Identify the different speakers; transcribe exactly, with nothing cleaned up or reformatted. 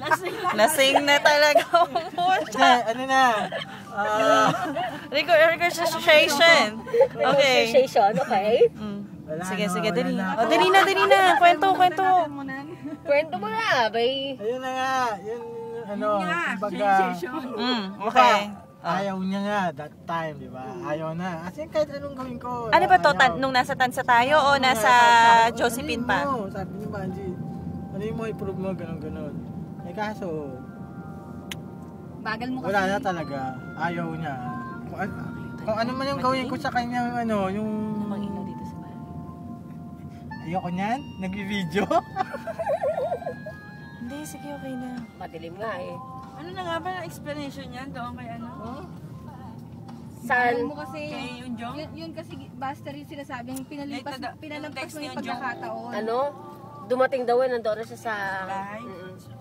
Speaker 1: Lasing na talaga.
Speaker 2: Hindi, ano na? Ah,
Speaker 1: Registration. Okay.
Speaker 3: Registration, okay.
Speaker 1: Mm.
Speaker 2: wala
Speaker 1: Sige,
Speaker 2: na,
Speaker 1: sige,
Speaker 2: wala
Speaker 1: dali.
Speaker 2: na.
Speaker 1: O, dali na, dali na. Kwento, kwento.
Speaker 3: Kwento mo na, bay.
Speaker 2: Ayun na nga, yun, ano, kumbaga,
Speaker 1: Mm, okay.
Speaker 2: ayaw niya nga that time, di ba? Ayaw na. Kasi kahit anong gawin ko.
Speaker 1: Ano ba to?
Speaker 2: ayaw.
Speaker 1: Tan- nung nasa Tansa tayo o nasa
Speaker 2: Sabi-
Speaker 1: Josephine pa?
Speaker 2: Ano mo? Sabi niya, Banji, ano yung mo i-prove mo, ganun, ganun. Eh kaso,
Speaker 4: Bagal mo kasi.
Speaker 2: wala na talaga. Ayaw niya. Kung, an- kung ano man yung gawin ko sa kanya, ano, yung...
Speaker 1: Mag-ilaw dito sa bahay.
Speaker 2: Ayoko niyan, nag-video.
Speaker 1: Hindi, sige, okay na.
Speaker 3: Madilim nga eh.
Speaker 5: Ano na nga ba ang explanation niyan doon kay ano?
Speaker 3: Saan?
Speaker 4: Bagal mo kasi.
Speaker 5: Kay Yunjong?
Speaker 4: Yun, yun kasi Buster yung sinasabing pinalipas,
Speaker 5: Like,
Speaker 4: pinalampas
Speaker 5: text
Speaker 4: mo
Speaker 5: ni
Speaker 4: yung
Speaker 5: Yunjong.
Speaker 4: pagkakataon.
Speaker 3: Ano? Dumating daw eh, nandoon na siya sa...
Speaker 5: Bahay?
Speaker 3: Mm-mm.